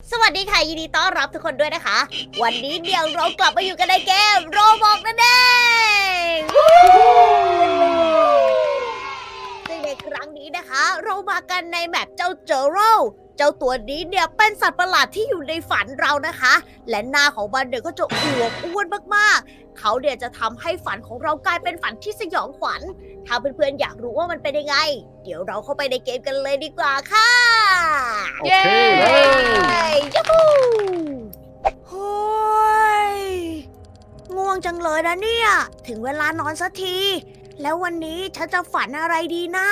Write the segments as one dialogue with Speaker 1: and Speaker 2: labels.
Speaker 1: สวัสดีค่ะยินดีต้อนรับทุกคนด้วยนะคะ วันนี้เดี๋ยวเรากลับมาอยู่กันในเกมโรบอกนั่นเองซึ่งในครั้งนี้นะคะ เรามากันในแมปเจ้าเจอโรเจ้าตัวนี้เนี่ยเป็นสัตว์ประหลาดที่อยู่ในฝันเรานะคะ และหน้าของมันเนี่ยก็จะอวบอ้วนมากๆเขาเนี่ยจะทำให้ฝันของเรากลายเป็นฝันที่สยองขวัญถ้าเพื่อนๆอยากรู้ว่ามันเป็นยังไง เดี๋ยวเราเข้าไปในเกมกันเลยดีกว่าค่ะ
Speaker 2: โอเคเลย
Speaker 1: ยูฮูโฮ้ยง่วงจังเลยนะเนี่ย ถึงเวลานอนสักที แล้ววันนี้ฉันจะฝันอะไรดีนะ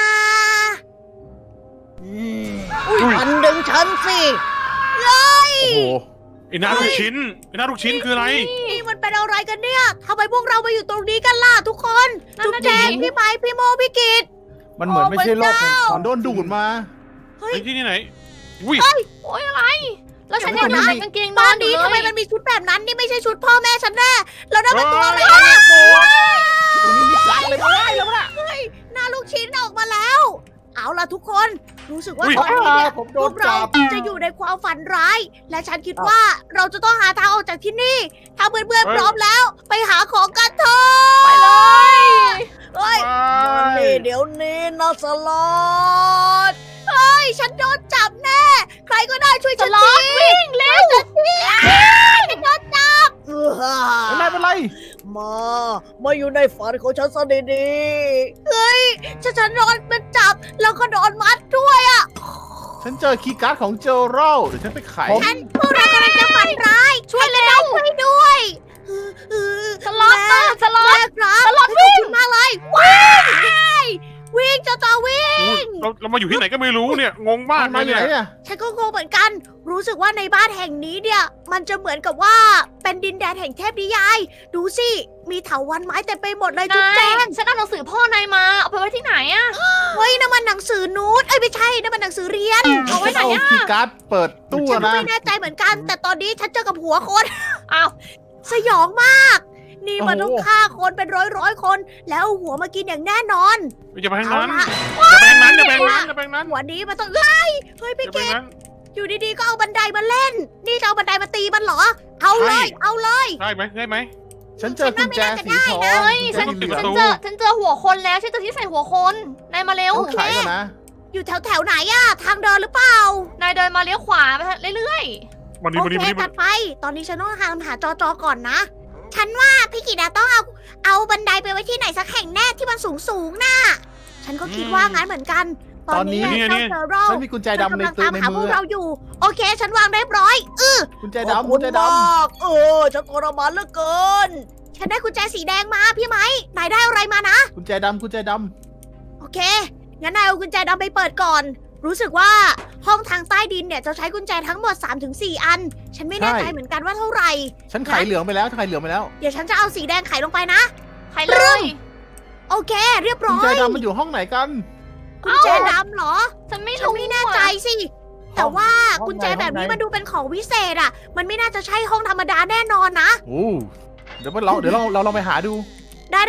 Speaker 1: ฝันดึงฉันสิ
Speaker 2: โอ้โห
Speaker 3: ไอ้หน้าลูกชิ้นไอ้หน้าลูกชิ้นคืออะไร
Speaker 1: นี่มันเป็นอะไรกันเนี่ยทำไมพวกเรามาอยู่ตรงนี้กันล่ะทุกคน จุ๊บแจงพี่ไม้พี่โมพี่กิต
Speaker 2: มันเหมือนไม่ใช่โลกแห่ง
Speaker 1: โอ้พระเจ้า
Speaker 2: ของโดนดูดมา
Speaker 1: เฮ้ย
Speaker 3: ไอ้ที่นี่ไหนอุ้ย
Speaker 4: โอ๊ยอะไร แล้วฉัน
Speaker 2: เดี๋
Speaker 4: ยั
Speaker 2: ยว
Speaker 4: ง
Speaker 2: ก่อน
Speaker 4: ใส่
Speaker 2: นะ
Speaker 4: กางเกงน
Speaker 1: ต
Speaker 4: อ
Speaker 1: อน
Speaker 4: นอยู่
Speaker 1: นี้
Speaker 4: เล
Speaker 1: ทำไม
Speaker 4: ย
Speaker 1: มันมีชุดแบบนั้นนี่ไม่ใช่ชุดพ่อแม่ฉันแน่แล้วนั่นมันตัวอะไรอะ
Speaker 2: ตรงนี้มีสัตว์เลยมาได้แล้วนะ
Speaker 1: หน้าลูกชิ้นออกมาแล้ว เอาล่ะทุกคนรู้สึกว่า
Speaker 3: อุ๊ย
Speaker 1: ตอนนี้เนี่ย
Speaker 2: ผมโด
Speaker 1: พวน กเรา
Speaker 2: จับ
Speaker 1: จะอยู่ในความฝันร้าย และฉันคิดว่าเราจะต้องหาทางออกจากที่นี่ ถ้าเพื่อนๆพร้อมแล้ว ไปหาของกันเถอะ
Speaker 4: ไปเลย
Speaker 1: เฮ้ย
Speaker 3: ไม่
Speaker 1: นี่เดี๋ยวนี้นะสลอดเฮ้ยฉันโดนจับแน่ ใครก็ได้ช่วย
Speaker 4: ส
Speaker 1: ฉัน
Speaker 4: ล็อ
Speaker 1: ที
Speaker 4: ตวิ่งเร็ว
Speaker 1: ฉันโดนจับ
Speaker 2: ไม่เป็นไร
Speaker 1: มาอยู่ในฝันของฉันซะดีๆเฮ้ยฉันโดนมันจับแล้วก็โดนมัดด้วยอ่ะ
Speaker 2: ฉันเจอคีย์การ์ดของเจอโรเดี๋ยวฉันไปไข
Speaker 1: พวกเรากำลังจะฝันร้าย ช่วยเร็วช่วยด้วยเออ
Speaker 4: สล็อตตื่นสล็อต
Speaker 1: แม่ครับ
Speaker 4: สล็อต
Speaker 1: ขอบคุณมากเลยวิ่งจะวิ่ง
Speaker 3: อุ๊ยเรามาอยู่ที่ไหนก็ไม่รู้เนี่ยงงมาก
Speaker 2: มา
Speaker 3: เลย
Speaker 2: อยู่
Speaker 3: เนี่ย
Speaker 2: ไหนอ่ะ
Speaker 1: ฉันก็งงเหมือนกัน รู้สึกว่าในบ้านแห่งนี้เนี่ย มันจะเหมือนกับว่าเป็นดินแดนแห่งเทพนิยาย ดูสิ มีเถาวัลย์ไม้เต็มไปหมดเลยจุ๊บ
Speaker 4: นา
Speaker 1: แจ
Speaker 4: ย
Speaker 1: ง
Speaker 4: ฉันเอาหนังสือพ่อนายมา เอาไปไว้ที่ไหนอะ
Speaker 1: เฮ้ยนั่นมันหนังสือนูตเอ้ยไม่ใช่นั่นมันหนังสือเรียน
Speaker 4: เอาไว้ไหน
Speaker 2: ฉัน
Speaker 4: อะ
Speaker 2: เอาคีย์การ์ดเปิดตู้
Speaker 1: ฉันก็
Speaker 2: นะ
Speaker 1: ไม่แน่ใจเหมือนกัน แต่ตอนนี้ฉันเจอกับหัวคน
Speaker 4: อ้าว
Speaker 1: สยองมาก นี่มันต้องฆ่าคนเป็นร้อยคน แล้วเอาหัวมากินอย่างแน่นอน
Speaker 3: อย่าไปทาง
Speaker 1: เอา
Speaker 3: นั้น
Speaker 1: ละ
Speaker 3: อย่าไปทางนั้นอย่าไปทางนั้นอย่าไปทางนั้น
Speaker 1: หัวนี้มันต้องเฮ้ยเฮ้ย
Speaker 3: อ
Speaker 1: พี่
Speaker 3: ย่าไป
Speaker 1: เก
Speaker 3: ทาง
Speaker 1: ด
Speaker 3: นั้น
Speaker 1: อยู่ดีๆก็เอาบันไดมาเล่น นี่จะเอาบันไดมาตีมันเหรอ เอาเลย เอาเลย
Speaker 3: ได้ไหมได้ไหม
Speaker 2: ฉันเจอกุญแจสีทอง
Speaker 4: เฮ้ย
Speaker 3: ฉั
Speaker 4: ฉั
Speaker 3: น
Speaker 4: น
Speaker 3: ปิด
Speaker 4: ฉั
Speaker 3: ประ
Speaker 4: น
Speaker 3: ตู
Speaker 4: เจอหัวคนแล้วฉันเจอที่ใส่หัวคนนายมาเร็ว
Speaker 2: ต้องไขก่อนนะ
Speaker 1: อยู่แถวไหนอะทางเดินหรือเปล่า
Speaker 4: นายเดินมาเลี้ยวขวาไปเรื่อย
Speaker 3: วันนี้
Speaker 1: โอ
Speaker 3: วันนี้
Speaker 1: เค
Speaker 3: วันนี้
Speaker 1: ตัดไป ตอนนี้ฉันต้องหาจอก่อนนะ ฉันว่าพี่กิดาต้องเอาบันไดไปไว้ที่ไหนสักแห่งแน่ที่มันสูงน่ะ ฉันก็คิดว่างั้นเหมือนกัน ตอนนี้
Speaker 2: ตอนนี้
Speaker 1: เจ้าเซอร์โร่
Speaker 2: ฉันมีกุญแจดำใน
Speaker 1: กำลัง
Speaker 2: ตัว
Speaker 1: ตาม
Speaker 2: ใน
Speaker 1: หาพ
Speaker 2: มื
Speaker 1: วก
Speaker 2: อ
Speaker 1: เราอยู่ โอเค ฉันวางเรียบร้อย
Speaker 2: กุญแจดำกุญแจด
Speaker 1: ฉันทรมานเหลือเกิน ฉันได้กุญแจสีแดงมาพี่ไหมนายได้อะไรมานะ
Speaker 2: ำกุญแจดำกุญแจด
Speaker 1: โอเค งั้นนายเอากุญแจดำไปเปิดก่อน รู้สึกว่าห้องทางใต้ดินเนี่ยจะใช้กุญแจทั้งหมด 3-4 อัน ฉันไม่แน่ใจเหมือนกันว่าเท่าไหร่
Speaker 2: ำฉันไขเหลืองไปแล้วไขเหลืองไปแล้ว
Speaker 1: เดี๋ยวฉันจะเอาสีแดงไขลงไปนะ
Speaker 4: ๆใครเลย
Speaker 1: โอเค เรียบ
Speaker 2: กุ
Speaker 1: ร้
Speaker 2: ญ
Speaker 1: อ
Speaker 2: แจ
Speaker 1: ย
Speaker 2: ดำมันอยู่ห้องไหนกัน
Speaker 1: กุญแจดำเหรอ
Speaker 4: ฉันไม่
Speaker 1: ฉัน
Speaker 4: รู้
Speaker 1: ไม่แน่ใจสิ แต่ว่า
Speaker 2: ห้อง
Speaker 1: กุญแจแบบนี้
Speaker 2: ห้องไหน
Speaker 1: มันดูเป็นของวิเศษอ่ะ มันไม่น่าจะใช่ห้องธรรมดาแน่นอนนะ
Speaker 2: โอ้เดี๋ยวเราลองไปหาดู
Speaker 1: ได้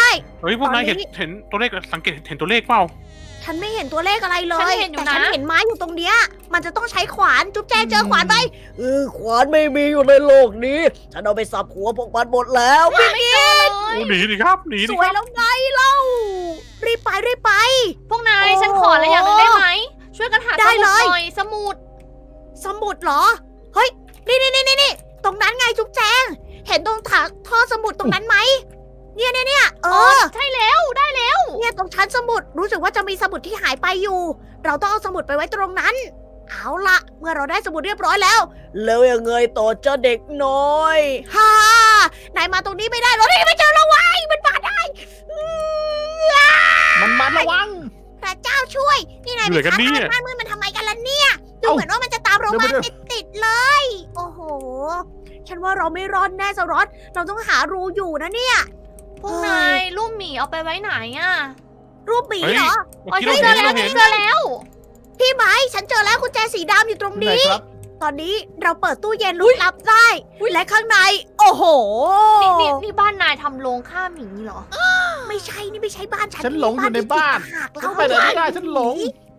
Speaker 3: เฮ้ยพวกนาย
Speaker 1: ตอนนี้
Speaker 3: เห็นตัวเลขสังเกตเห็นตัวเลขเปล่า
Speaker 1: ฉันไม่เห็นตัวเลขอะไรเลย
Speaker 4: ฉันเห็นอยู่
Speaker 1: แต่ฉัน
Speaker 4: นะ
Speaker 1: เห็นไม้อยู่ตรงเนี้ย มันจะต้องใช้ขวาน จุ๊บแจงเจอขวานไหมขวานไม่มีอยู่ในโลกนี้ ฉันเอาไปสับหัวพวกมันหมดแล้ว
Speaker 4: ไม่เจอเลย
Speaker 3: โอ้หนีดิครับหนี
Speaker 1: ส
Speaker 3: ดิ
Speaker 1: ว
Speaker 3: ค
Speaker 1: ย
Speaker 3: รับ
Speaker 1: แล้วไงเล่า รีบไป
Speaker 4: พวกนาย
Speaker 1: โอ้
Speaker 4: ฉันขออะไรอย่างหนึงได้ไหม ช่วยกันหา
Speaker 1: ได้
Speaker 4: สมุด
Speaker 1: เลย
Speaker 4: หน่อยสมุด
Speaker 1: สมุดเหรอ เฮ้ย นี่ ตรงนั้นไงจุ๊บแจง เห็นตรงถังท่อสมุดตรงนั้นไหม เนี่ยเออ
Speaker 4: ใช่แล้วได้แล้ว
Speaker 1: เนี่ยตรงชั้นสมุด รู้สึกว่าจะมีสมุดที่หายไปอยู่ เราต้องเอาสมุดไปไว้ตรงนั้น เอาละเมื่อเราได้สมุดเรียบร้อยแล้ว แล้วยังไงต่อเจ้าเด็กน้อยฮ่านายมาตรงนี้ไม่ได้หรอกนี่ไม่เจอเราไว้มันมาได้อื้อ
Speaker 2: มันมัดระวัง
Speaker 1: พระเจ้าช่วย นี่นาย
Speaker 3: เหนื่อยกันเนี่ย
Speaker 1: บ้านมืดมันทำไมกันล่ะเนี่ย ดู
Speaker 2: เอ้า
Speaker 1: เหมือนว่ามันจะตามเรามา
Speaker 2: เดี๋ยว
Speaker 1: ติดๆเลย โอ้โห ฉันว่าเราไม่รอดแน่สรอตเราต้องหารูอยู่นะเนี่ย
Speaker 4: พวกนายรูปหมีเอาไปไว้ไหนอะ
Speaker 1: รูปหมี
Speaker 3: เฮ้ย
Speaker 1: เหรอ
Speaker 3: เมื่อกี้
Speaker 4: โอ้ย
Speaker 3: เรา
Speaker 4: เจ
Speaker 3: เห็
Speaker 4: อน แล้ว
Speaker 3: เราเห็น
Speaker 4: เจอแล้ว
Speaker 1: พี่ไม้ฉันเจอแล้วกุญแจสีดำอยู่ตรง
Speaker 2: ไหน
Speaker 1: นี้
Speaker 2: ครับ
Speaker 1: ตอนนี้เราเปิดตู้เย็นลุกลับได้ และข้างใน โอ้โห
Speaker 4: นี่บ้านนายทำโรงฆ่าหมีเหรอ
Speaker 1: ไม่ใช่นี่ไม่ใช่บ้านฉัน
Speaker 2: ฉันหลงอยู่ในบ้าน
Speaker 1: หาก
Speaker 2: ฉั
Speaker 1: เรา
Speaker 2: นไปไหนไม่ได้ฉันหลง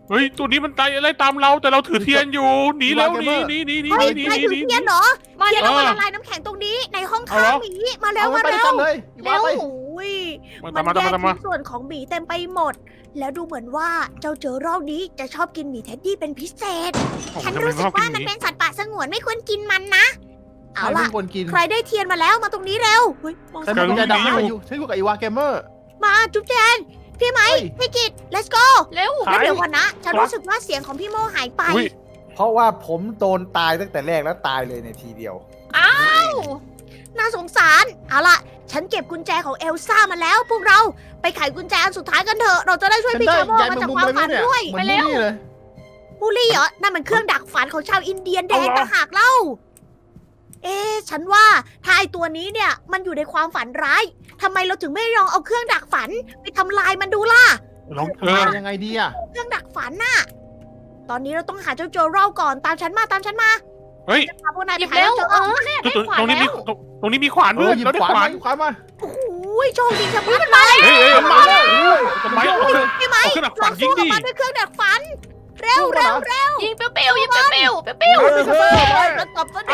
Speaker 3: เฮ้ยตัวนี้มันตายอะไรตามเราแต่เราถือเทียนอยู่หนีแล้วหนีหนีหนีหนี
Speaker 1: เฮ้ย
Speaker 3: หนี
Speaker 1: นาย
Speaker 3: ห
Speaker 1: ถือ
Speaker 3: นี
Speaker 1: เทียนเหรอ
Speaker 4: มา
Speaker 1: เทียน
Speaker 4: เร็
Speaker 1: เอา
Speaker 4: ว
Speaker 1: มาละลายน้ำแข็งตรงนี้ในห้อง
Speaker 3: เอา
Speaker 1: ข้าง
Speaker 3: เหรอ
Speaker 1: หมีมาเร็ว
Speaker 2: เอา
Speaker 1: มา
Speaker 2: ไปด้วย
Speaker 1: เร็
Speaker 2: กั
Speaker 1: วน
Speaker 2: เลยอีวาไป
Speaker 1: โอ้ย
Speaker 3: มา
Speaker 1: มัน
Speaker 3: ตามมา
Speaker 1: แย
Speaker 3: ตาม
Speaker 1: ก
Speaker 3: มาตามมา
Speaker 1: ชิ้นส่วนของหมีเต็มไปหมด แล้วดูเหมือนว่าเจ้าเจอรอบนี้จะชอบกินหมีเท็ดดี้เป็นพิเศษ
Speaker 3: โอ้โห
Speaker 1: ฉัน
Speaker 3: ทำไม
Speaker 1: รู้สึ
Speaker 3: ช
Speaker 1: ก
Speaker 3: อบกิ
Speaker 1: ว่าน
Speaker 3: ห
Speaker 1: มัน
Speaker 3: มี
Speaker 1: เป็นสัตว์ป่าสงวนไม่ควรกินมันนะ เอา
Speaker 2: ใคร
Speaker 1: ล่ะ
Speaker 2: ไม่ควรกิน
Speaker 1: ใครได้เทียนมาแล้วมาตรงนี้เร็วเฮ้ยมอง
Speaker 2: ฉัน
Speaker 1: ซ้าย
Speaker 2: มีกุญแจ
Speaker 3: กำลัง
Speaker 2: ดำ
Speaker 3: หนีอยู่
Speaker 2: อยู่ฉันอยู่กับอีวาเกมเมอร์
Speaker 1: มาจุ๊บแจนพี่ไหม
Speaker 2: เฮ้ย
Speaker 1: พี่กิต let's go
Speaker 4: เร็ว
Speaker 1: แล้วเดี๋ยวก่อนนะ ฉัน
Speaker 3: ครับ
Speaker 1: รู้สึกว่าเสียงของพี่โมหายไป
Speaker 3: อุ๊ย
Speaker 5: เพราะว่าผมโดนตายตั้งแต่แรกแล้วตายเลยในทีเดียว
Speaker 4: อ้าว
Speaker 1: น่าสงสาร เอาล่ะ ฉันเก็บกุญแจของเอลซ่ามาแล้ว พวกเราไปไขกุญแจอันสุดท้ายกันเถอะ เราจะได้ช่วย
Speaker 2: ฉัน
Speaker 1: พี่
Speaker 2: ได้
Speaker 1: ชาโม
Speaker 2: ยาย
Speaker 1: มา
Speaker 2: แมง
Speaker 1: จาก
Speaker 2: มุม
Speaker 1: ความ
Speaker 2: อะไร
Speaker 1: ฝัน
Speaker 2: เนี่ย
Speaker 1: ด้วย
Speaker 2: เหมือนมูนี่เลย
Speaker 1: บูลลี่เหรอ นั่นมันเครื่องดักฝันของชาวอินเดียนแดงต่างหากเล่า เอ๊ะฉันว่าถ้าไอตัวนี้เนี่ยมันอยู่ในความฝันร้ายทำไมเราถึงไม่ลองเอาเครื่องดักฝันไปทำลายมันดูล่ะ
Speaker 3: ลอง
Speaker 2: มายังไงดีอะ
Speaker 1: เครื่องดักฝันน่ะ ตอนนี้เราต้องหาเจ้าโจโร่ก่อน ตามฉันมา ตามฉันมา
Speaker 3: เฮ้ย
Speaker 1: จะพาพวกนาย
Speaker 4: ห
Speaker 1: ไป
Speaker 4: ยิบ
Speaker 1: หา
Speaker 4: เร็ว
Speaker 1: เจ้าโจ
Speaker 4: เอ
Speaker 1: โร่
Speaker 4: อเนี่ยได้
Speaker 3: ตรง
Speaker 4: ขวาน
Speaker 3: ตรงนี้
Speaker 4: แล้
Speaker 3: มี
Speaker 4: ว
Speaker 3: ตรงนี้มีขวาน
Speaker 2: เอ
Speaker 3: ด้ว
Speaker 2: อย หยิบ
Speaker 3: เราได้
Speaker 2: ขวาน
Speaker 3: ขวา
Speaker 2: มาน หยิบขวานมา
Speaker 1: โอ้โหโชคดีชะมัดเลย
Speaker 3: เฮ้ยเฮ้ย
Speaker 2: มันมาแล้วโอ้ย
Speaker 3: ทำไมเอาเครื่อง
Speaker 1: พี่ไหม
Speaker 3: เอาเครื่องดักฝั
Speaker 1: เรา
Speaker 3: นยิ
Speaker 1: สู้
Speaker 3: ง
Speaker 1: กับ
Speaker 3: ดิ
Speaker 1: มันด้วยเครื่องดักฝัน เร็วเร็วเร็ว
Speaker 4: ยิงเปรี้ยวๆยิงเปรี้ยวๆเปรี้ยว
Speaker 1: แล้วตบซะดิ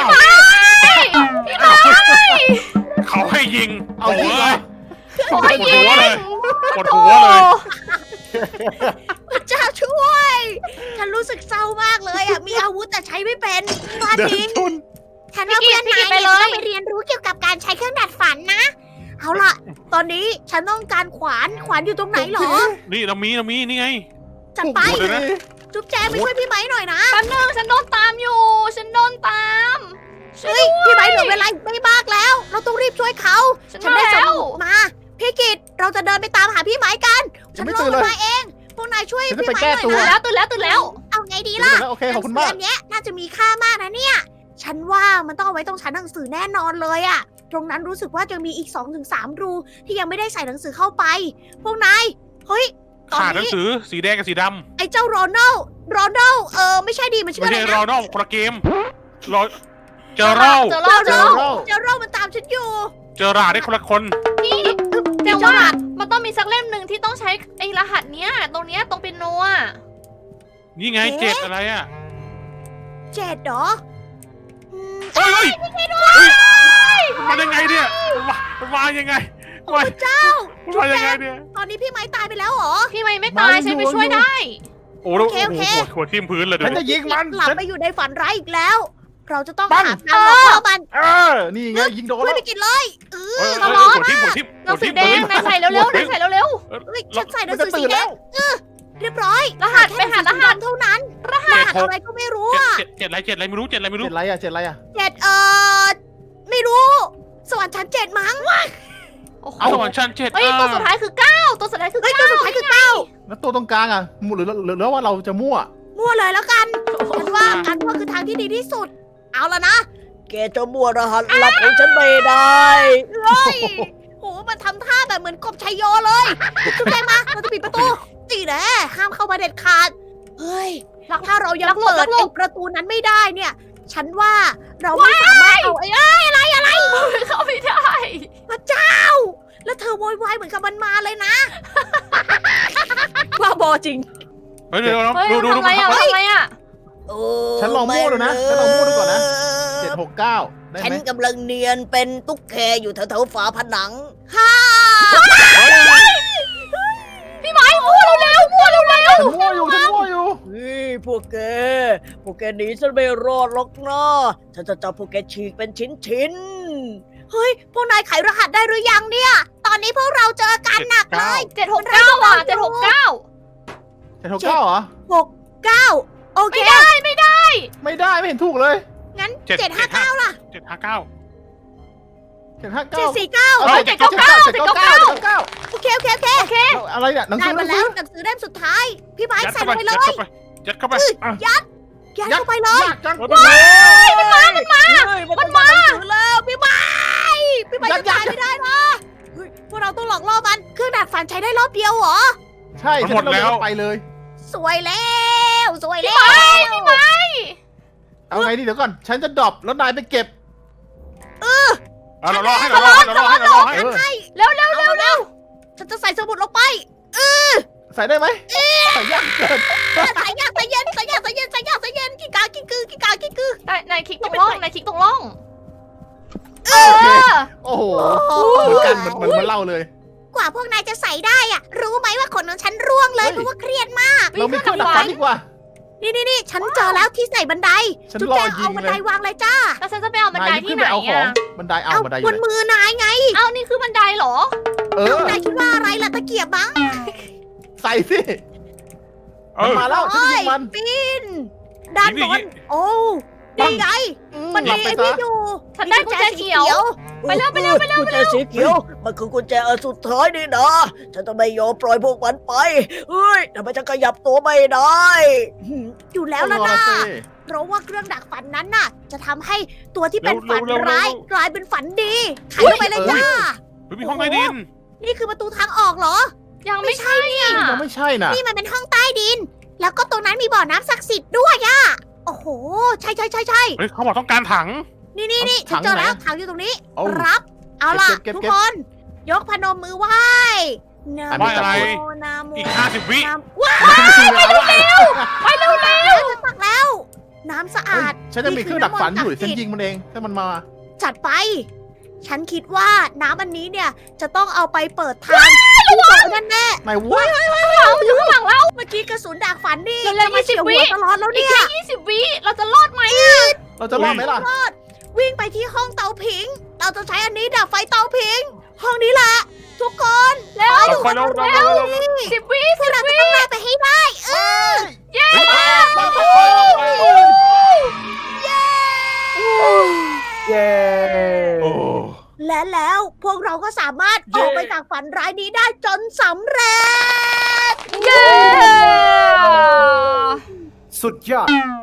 Speaker 3: เขาให้ยิง
Speaker 2: เอาจริงเหรอ
Speaker 3: ปวดหัวเลยปวดหัวเลย
Speaker 1: พระเจ้าช่วย ฉันรู้สึกเศร้ามากเลยอ่ะ มีอาวุธแต่ใช้ไม่เป็นบ้า
Speaker 2: เดิ
Speaker 1: จริ
Speaker 2: น
Speaker 1: ง
Speaker 2: ชน
Speaker 1: ฉันว่าเพื่อนนายเนี่ยจะต้องไปเรียนรู้เกี่ยวกับการใช้เครื่องดัดฝันนะ เอาล่ะ ตอนนี้ฉันต้องการขวานอยู่ตรงไหนเหรอ
Speaker 3: นี่เรามีนี่ไง
Speaker 1: จัดไป
Speaker 3: โอ้โหเดี๋ยวนะ
Speaker 1: จุ๊บแจงไปช่วยพี่ไหมหน่อยนะ
Speaker 4: ๆแป๊บนึงฉันโดนตามอยู่ ฉันโดนตามช่วย
Speaker 1: เฮ้ย พี่ไหมเหลือเวลาไม่มากแล้ว เราต้องรีบช่วยเขา
Speaker 4: ฉัน
Speaker 1: ฉันได้
Speaker 4: มา
Speaker 1: ส
Speaker 4: แล้ว
Speaker 1: มุดมา พี่กิตเราจะเดินไปตามหาพี่ไหมกัน
Speaker 2: ยั
Speaker 1: ฉั
Speaker 2: ง
Speaker 1: น
Speaker 2: ไม่
Speaker 1: ล
Speaker 2: ตื่
Speaker 1: ง
Speaker 2: นเลย
Speaker 1: มาเอง พวกนายช่วย
Speaker 2: ฉันจะ
Speaker 1: พี่
Speaker 2: ไป
Speaker 1: ไหม
Speaker 2: แก้
Speaker 1: หน่อย
Speaker 2: ตัว
Speaker 1: นะ
Speaker 4: ตื่นแล้ว
Speaker 1: เอาไงดี
Speaker 2: เดี๋ยว
Speaker 1: ล่ะ
Speaker 2: นะโอเคขอบคุณมาก
Speaker 1: หนังสืเล่มเนี้ยน่าจะมีค่ามากนะเนี่ย ฉันว่ามันต้องเอาไว้ตรงชั้นหนังสือแน่นอนเลยอะตรงนั้นรู้สึกว่าจะมีอีก 2-3 รูที่ยังไม่ได้ใส่หนังสือเข้าไป พวกนาย เฮ้ย ตอน
Speaker 3: ขาดหนัง
Speaker 1: นี้
Speaker 3: สือสีแดงกับสีด
Speaker 1: ไอ้เจ้าโรนัลไม่ใช่ดีมัน
Speaker 3: ำ
Speaker 1: ชื่อ
Speaker 3: ไม่
Speaker 1: อะไร
Speaker 3: ใช่
Speaker 1: นะ
Speaker 3: รอนอกคนละเกมรอเจอเรา
Speaker 4: เจอรอบ
Speaker 1: เจ
Speaker 4: เจ
Speaker 1: อ
Speaker 4: อ
Speaker 1: ร
Speaker 4: ร
Speaker 1: อ
Speaker 4: อ
Speaker 1: บบ เจอโรมันตามฉันอยู่
Speaker 3: เจอราได้คนละคน
Speaker 4: พี่แต่ว่ามันต้องมีสักเล่มหนึ่งที่ต้องใช้ไอ้รหัสเนี้ยตรงเนี้ยตรงเป็นโนอ่ะ
Speaker 3: นี่ไง
Speaker 1: เอ๊ะ
Speaker 3: 7อะไรอ่ะ
Speaker 1: เจ็ดเหรออืม
Speaker 3: เฮ้ยมันยังไงเนี่ยมันมายังไง
Speaker 1: โอ้เจ้า
Speaker 3: มันมายังไงเนี่ย
Speaker 1: ตอนนี้พี่ไม้ตายไปแล้วเหรอ
Speaker 4: พี่ไม่ตายฉันไปช่วยได้
Speaker 3: โอ้โห
Speaker 1: โอเคโอเค
Speaker 3: หัวทิ่มพื้นเลยเดี๋
Speaker 2: ฉั
Speaker 3: ย
Speaker 2: น
Speaker 3: ว
Speaker 2: จะยิงมัน
Speaker 1: หลับ
Speaker 2: ฉัน
Speaker 1: ไปอยู่ในฝันร้ายอีกแล้ว เราจะต้อง
Speaker 2: ปั้ง
Speaker 1: หาทางหลอกล่อมัน
Speaker 2: นี่ไงยิงโดน
Speaker 1: ช่วย
Speaker 2: แล้ว
Speaker 1: ไปกินเลยเออ
Speaker 3: เฮ้ยหัวทิ่ม
Speaker 4: หนังสือแดงนายใส่เร็วๆนายใส่เร็ว
Speaker 1: เฮ้ยฉันใส่หนั
Speaker 2: มัน
Speaker 1: ง
Speaker 2: จะ
Speaker 1: สือสี
Speaker 2: ตื่น
Speaker 1: แด
Speaker 2: แล้
Speaker 1: ง
Speaker 2: ว
Speaker 1: เรียบร้อย
Speaker 4: ๆรหัสไปหารหัส
Speaker 1: เท่านั้นรหัสอะไรก็ไม่รู้อะ
Speaker 3: เจ็ดอะไรไม่รู้เจ็ดอะไรไม่รู้
Speaker 2: เจ็ดไรอะเจ็ดไรอะ
Speaker 1: เจ็ดไม่รู้ สวรรค์ชั้น7มั้ง
Speaker 4: โอ้โห
Speaker 3: เอาสวรรค์ชั้นเจ็ด
Speaker 4: เฮ้ยตัวสุดท้ายคือ9ตัวสุดท้ายคือ
Speaker 1: เฮ้ย
Speaker 4: 9
Speaker 1: ตัวสุดท้ายคือเก้า
Speaker 2: แล้วตัวตรงกลางอะหรือว่าเราจะมั่ว
Speaker 1: มั่วเลยแล้วกันฉันว่าอันว่าคือทางที่ดีที่สุด เอาละนะแกจะมั่วรหัสลับของฉันไม่ได้เฮ้ยโหมันทำท่าแบบเหมือนกบชัยโยเลยจุ๊บแจงมาเราจะปิดประตูจีแน่ห้ามเข้ามาเด็ดขาดเฮ้ยถ้าเรายังเปิดไอ้ประตูนั้นไม่ได้เนี่ย ฉันว่าเราไม่สามารถเอาไอ้อะไร
Speaker 4: เข้าไม่ได้
Speaker 1: พระเจ้า แล้วเธอโวยวายเหมือนกับมันมาเลยนะ บ้าบอจริง
Speaker 3: เฮ้ยเดี๋ยว
Speaker 4: เฮ้ย
Speaker 3: ดู
Speaker 4: ทำอะไรอ่ะทำอะไรอ่ะ
Speaker 2: ฉันลองมั่วดูนะฉันลองมั่วดูก่อนนะ 769ได้
Speaker 1: ฉัน
Speaker 2: ไหม
Speaker 1: กำลังเนียนเป็นตุ๊กแกอยู่แถวๆฝาผนังฮ่า
Speaker 4: พี่ไม้มั่วเร็วๆมั่วเร็ว
Speaker 2: ฉันมั่วอยู่
Speaker 1: นี่พวกแกหนีฉันไม่รอดหรอกนะฉันจะจับพวกแกฉีกเป็นชิ้นๆเฮ้ย พวกนายไขรหัสได้หรือยังเนี่ย ตอนนี้พวกเราเจอกันหนักเลย
Speaker 4: ๆ769อ่ะ769
Speaker 2: 769เหรอ
Speaker 1: 69 โอเค
Speaker 2: ไม่ได้ไม่เห็นถูกเลย
Speaker 1: งั้น 759 ล่ะ
Speaker 3: 759
Speaker 2: 759
Speaker 1: 749
Speaker 2: เอา799
Speaker 1: โอเค
Speaker 2: อะไรเนี่ยหนัง
Speaker 1: ได้
Speaker 2: สือ
Speaker 1: มาแล้วหนังสือเล่มสุดท้าย พี่ไม้
Speaker 3: ยัด
Speaker 1: ใส่
Speaker 3: เข้า
Speaker 1: ล
Speaker 3: ไป
Speaker 1: งไปเล
Speaker 3: ยัดเข้าย ไปยัดเข้าไป
Speaker 1: ยัดเข้าไปเลย
Speaker 2: ยากจัง
Speaker 1: มันมาหนังสือแล้วพี่ไม้จะตายไม่ได้นะเฮ้ยพวกเราต้องหลอกล่อมันเครื่องดักฝันใช้ได้รอบเดียวเหรอ
Speaker 2: ใช่ฉันไปเลย
Speaker 1: สวยแล้ว
Speaker 2: เอาไงดีเดี๋ยวก่อน ฉันจะดรอปแล้วนายไปเก็บ
Speaker 3: เรารอให้
Speaker 1: ให้
Speaker 4: เร็ว
Speaker 1: เอาแล้วฉันจะใส่สมุดลงไป
Speaker 2: ใส่ได้ไหมใส่ยากเกิน
Speaker 1: สายยางสายเย็นสายยางสายเย็นสายยางสายเย็นกี่กากี่กือกี่กากี่กือ
Speaker 4: นายคลิกตรงร่องนายคลิกตรงร่อง
Speaker 2: โอเคโอ้โหเหมือนกันเหมือนมันเล่าเลย
Speaker 1: กว่าพวกนายจะใส่ได้อะรู้ไหมว่าขนของฉันร่วงเลย
Speaker 2: เฮ้ย
Speaker 1: เพราะว่าเครียดมาก
Speaker 2: เรามีเครื่องดักฟันดีกว่า
Speaker 1: นี่ฉันเจอแล้วที่ใส่บันได
Speaker 2: ฉัน
Speaker 1: จุ๊บ
Speaker 2: รอ
Speaker 1: แจง
Speaker 2: ยิ
Speaker 1: เอา
Speaker 2: ง
Speaker 1: บัน
Speaker 2: เล
Speaker 1: ได
Speaker 2: ยว
Speaker 1: างเลยจ้า
Speaker 4: แล้วฉันจะไปเอาบันได
Speaker 2: นาย
Speaker 4: ที่
Speaker 2: ขึ้น
Speaker 4: ไหน
Speaker 2: ไปเอาของ
Speaker 4: อ่ะ
Speaker 2: บันไดเอา
Speaker 1: เอา
Speaker 2: บันไดอบ
Speaker 1: น
Speaker 2: ยู่ไหน
Speaker 1: มือนายไง
Speaker 4: เอานี่คือบันไดเหรอ
Speaker 2: เออ
Speaker 1: นายคิดว่าอะไรล่ะตะเกียบมั้ง
Speaker 2: ใส่สิ
Speaker 3: เอ
Speaker 2: มัน
Speaker 3: อ
Speaker 2: มาแล้วฉันยิงมัน
Speaker 1: ปีนด้านบนโอ้นี่ไงมันมีไอ้นี่อยู่
Speaker 4: ฉันได้กุญแจเขียว ไปเร็ว
Speaker 1: กุญแจสีเขียว มันคือกุญแจอันสุดท้ายนี่นะฉันจะไม่ยอมปล่อยพวกมันไปเฮ้ยทำไมจะขยับตัวไม่ได้อยู่แล้วล่ะ
Speaker 2: ต้องรอ
Speaker 1: นะ
Speaker 2: สิ
Speaker 1: เพราะว่าเครื่องดักฝันนั้นน่ะ จะทำให้ตัวที่เป็นฝันร้ายกลายเป็นฝันดีไขเข้าไปเลยจ้า
Speaker 3: เฮ้ยมีห้องใต้ดิน
Speaker 1: นี่คือประตูทางออกเหรอ
Speaker 4: ยังไม่ใช่อ่ะ
Speaker 2: ยังไม่ใช่น่ะ
Speaker 1: นี่มันเป็นห้องใต้ดิน แล้วก็ตรงนั้นมีบ่อน้ำศักดิ์สิทธิ์ด้วยอะโอ้โห ใช่
Speaker 3: เฮ้ยเขาบอกต้องการถัง
Speaker 1: นี่ฉันเจอแล้วถังอยู่ตรงนี้
Speaker 2: เอา
Speaker 1: รับ เอาล่ะ
Speaker 2: เก็บ
Speaker 1: ทุก
Speaker 2: เก็บ
Speaker 1: คน ยกพนมมือไหว้นะ
Speaker 2: ไหว้อะไร
Speaker 1: โมนะโม
Speaker 3: อีก50 วิ
Speaker 1: นะว้าว
Speaker 2: ไปเร็ว
Speaker 1: จะตักแล้ว น้ำสะอาด
Speaker 2: ฉันจะมีเครื่องดักฟันอยู่
Speaker 1: นี่คื
Speaker 2: ฉัน
Speaker 1: น้ำมนต์ศักดิ์สิทธิ์
Speaker 2: ยิงมันเองถ้ามันมา
Speaker 1: จัดไป ฉันคิดว่าน้ำอันนี้เนี่ย จะต้องเอาไปเปิดทางที่โต๊ะนั่นแน่
Speaker 2: ไหนวะ
Speaker 4: อยู่ข้างหลังเรา
Speaker 1: เมื่อกี้กระสุนดักฝันนี่
Speaker 4: เร็วๆ
Speaker 1: จะมาเฉียว
Speaker 4: 20 วิ
Speaker 1: หัวตลอดแล้ว
Speaker 4: อีก
Speaker 1: เนี่ย
Speaker 4: แค่20 วิเราจะรอดไหม
Speaker 2: เราจะรอดไหมล่ะ
Speaker 1: วิ่งไปที่ห้องเตาผิง เราจะใช้อันนี้ดับไฟเตาผิง ห้องนี้แหละ ทุกคน
Speaker 4: เร็ว
Speaker 3: เอาไฟเร็ว
Speaker 4: 10 วิ
Speaker 1: พวกเราจะต้องได้ไปให้ได้
Speaker 4: เย้
Speaker 5: เย้
Speaker 3: โอ้
Speaker 1: และแล้วพวกเราก็สามารถออกไปจากฝันร้ายนี้ได้จนสำเร็จ
Speaker 4: เย้
Speaker 5: สุดยอด